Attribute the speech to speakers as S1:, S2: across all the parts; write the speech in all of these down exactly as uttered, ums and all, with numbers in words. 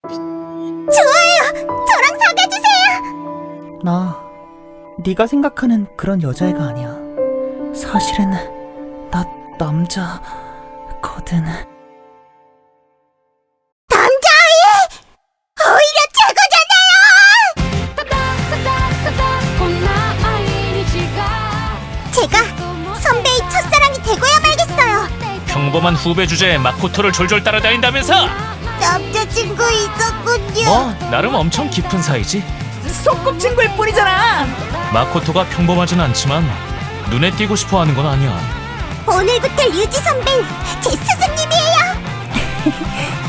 S1: 좋아요! 저랑 사귀어주세요!
S2: 나 네가 생각하는 그런 여자애가 아니야. 사실은 나 남자거든.
S1: 남자아이! 오히려 최고잖아요! 제가 선배의 첫사랑이 되고야 말겠어요!
S3: 평범한 후배 주제에 마코토를 졸졸 따라다닌다면서?
S1: 남자친구 있었군요.
S3: 뭐 나름 엄청 깊은 사이지.
S2: 소꿉친구일 뿐이잖아.
S3: 마코토가 평범하진 않지만 눈에 띄고 싶어하는 건 아니야.
S1: 오늘부터 류지 선배는 제 스승님이에요.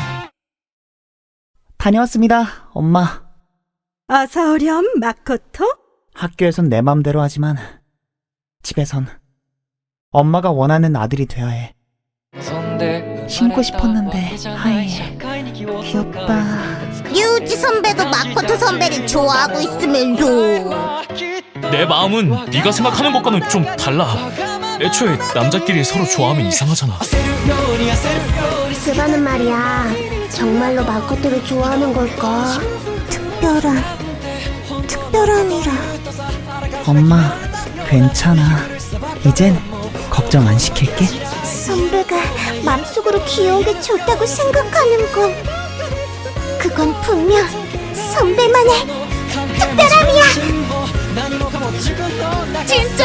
S2: 다녀왔습니다, 엄마.
S4: 어서 오렴, 마코토.
S2: 학교에선 내 맘대로 하지만 집에선 엄마가 원하는 아들이 되어야 해. 신고 싶었는데 하이 귀엽다.
S1: 류지 선배도 마코토 선배를 좋아하고 있으면서
S3: 내 마음은 네가 생각하는 것과는 좀 달라. 애초에 남자끼리 서로 좋아하면 이상하잖아.
S1: 스바는 말이야, 정말로 마코토를 좋아하는 걸까? 특별한, 특별한이라.
S2: 엄마 괜찮아. 이젠 걱정 안 시킬게.
S1: 선배가 맘속으로 귀여운 게 좋다고 생각하는 건 그건 분명 선배만의 특별함이야. 진짜